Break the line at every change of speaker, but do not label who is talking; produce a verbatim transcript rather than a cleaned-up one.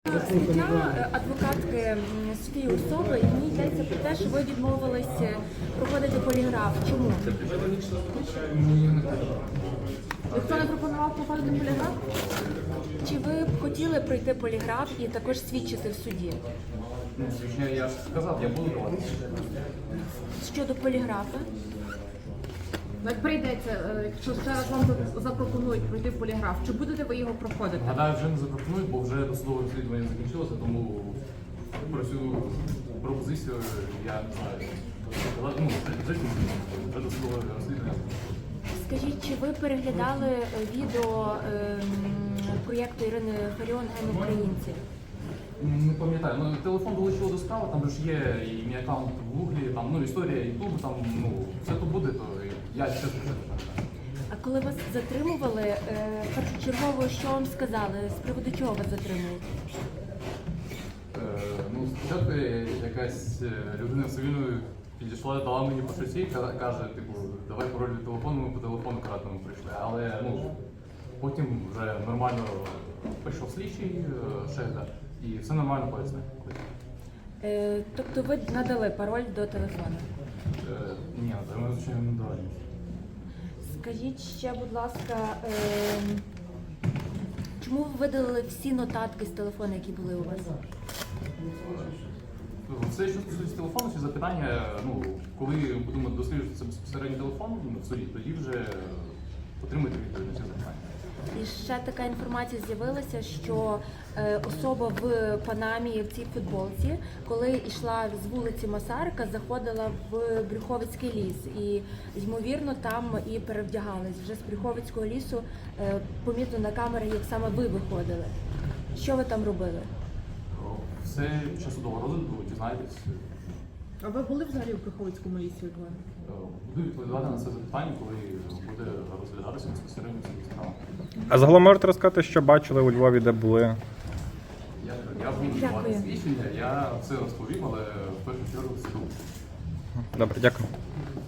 Стаття адвокатки Софії Усової, в ній йдеться про те, що ви відмовились проходити поліграф. Чому? Ніхто не пропонував проходити поліграф? Чи ви б хотіли пройти поліграф і також свідчити в суді?
Я, я ж сказав, я буду давати.
Щодо поліграфа?
Як прийдеться, якщо зараз вам запропонують пройти поліграф, чи будете ви його проходити?
Гадаю, вже не запропонують, бо вже досудове розслідування закінчилося, тому про цю пропозицію я не знаю. Ну, вже, вже досудове розслідування.
Скажіть, чи ви переглядали відео ем, проєкту Ірини Фаріон «Ген українці»?
Не пам'ятаю, ну телефон долучило до справи, там ж є і мій аккаунт в Гуглі, там ну історія Ютубу, там ну все то буде, то я чесно не пам'ятаю.
А коли вас затримували, е, першочергово що вам сказали? З приводу чого вас затримують?
Е, ну, спочатку якась людина в цивільному підійшла, дала мені по шоці, каже, типу, давай пароль від телефону, ми по телефону кратному прийшли. Але ну, потім вже нормально прийшов слідчий Шегда і все нормально пояснив.
Е, тобто ви надали пароль до телефону?
Е, ні, ми звичайно не дали.
Скажіть ще, будь ласка, е, чому ви видалили всі нотатки з телефону, які були у вас?
Все, що стосується телефону, ці запитання, ну, коли будемо досліджувати це безпосередньо телефон в суді, тоді вже отримати відповідь на ці запитання.
І ще така інформація з'явилася, що е, особа в Панамі в цій футболці, коли йшла з вулиці Масарика, заходила в Брюховицький ліс. І, ймовірно, там і перевдягались. Вже з Брюховицького лісу е, помітно на камері, як саме ви виходили. Що ви там робили?
Все під час судового розгляду дізнаєтесь.
А ви були взагалі в Брюховицькому лісі у Львові?
Буду відповідати на це запитання, коли буде розглядатися безпосередньо ця справа.
А загалом можете розказати, що бачили у Львові, де були?
Я, я буду
Дякую.
давати свідчення, я все розповім, але в першу чергу суду.
Добре, дякую.